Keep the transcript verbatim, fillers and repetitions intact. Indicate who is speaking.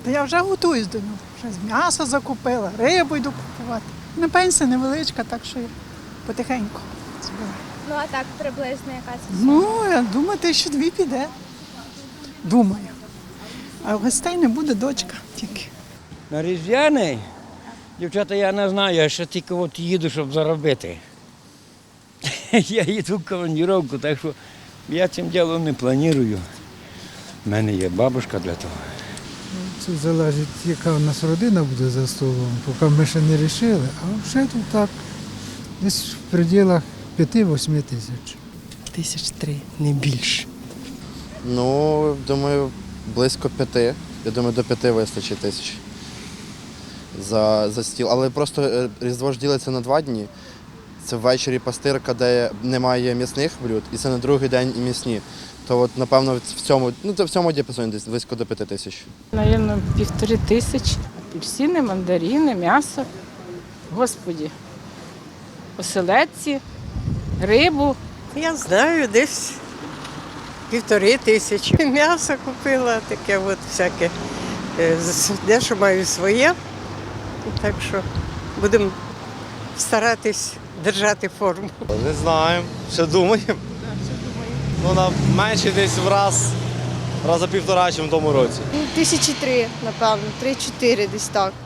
Speaker 1: Та я вже готуюсь до нього. Вже з м'яса закупила, рибу йду купувати. На пенсія невеличка, так що я потихеньку збираю.
Speaker 2: Ну а так приблизно яка це?
Speaker 1: Ну, я думаю, тисячі дві піде. Думаю. А гостей не буде дочка тільки.
Speaker 3: На Різдвяний, дівчата, я не знаю, я ще тільки от їду, щоб заробити. Я їду в командировку, так що я цим ділом не планую. У мене є бабушка для того.
Speaker 4: Це залежить, яка у нас родина буде за столом, поки ми ще не вирішили, а вже тут так, десь в пределах п'яти-восьми тисяч.
Speaker 5: Тисяч три, не більше.
Speaker 6: Ну, думаю, близько п'яти. Я думаю, до п'яти вистачить тисяч за, за стіл. Але просто е, Різдво ж ділиться на два дні. Це ввечері пастирка, де немає м'ясних блюд, і це на другий день і м'ясні. То от, напевно, в цьому, ну, то в цьому діапазоні десь близько до п'яти тисяч.
Speaker 7: Навірно, півтори тисячі. Апельсини, мандарини, м'ясо. Господі. Оселедці, рибу.
Speaker 5: Я знаю, десь півтори тисячі. М'ясо купила, таке от всяке. Е, з- Дещо маю своє. Так що будемо старатись держати форму.
Speaker 8: Не знаємо, ще думаємо. Ну, на менше десь в раз, раза півтора, ніж в тому році.
Speaker 2: Тисячі три, напевно, три-чотири десь так.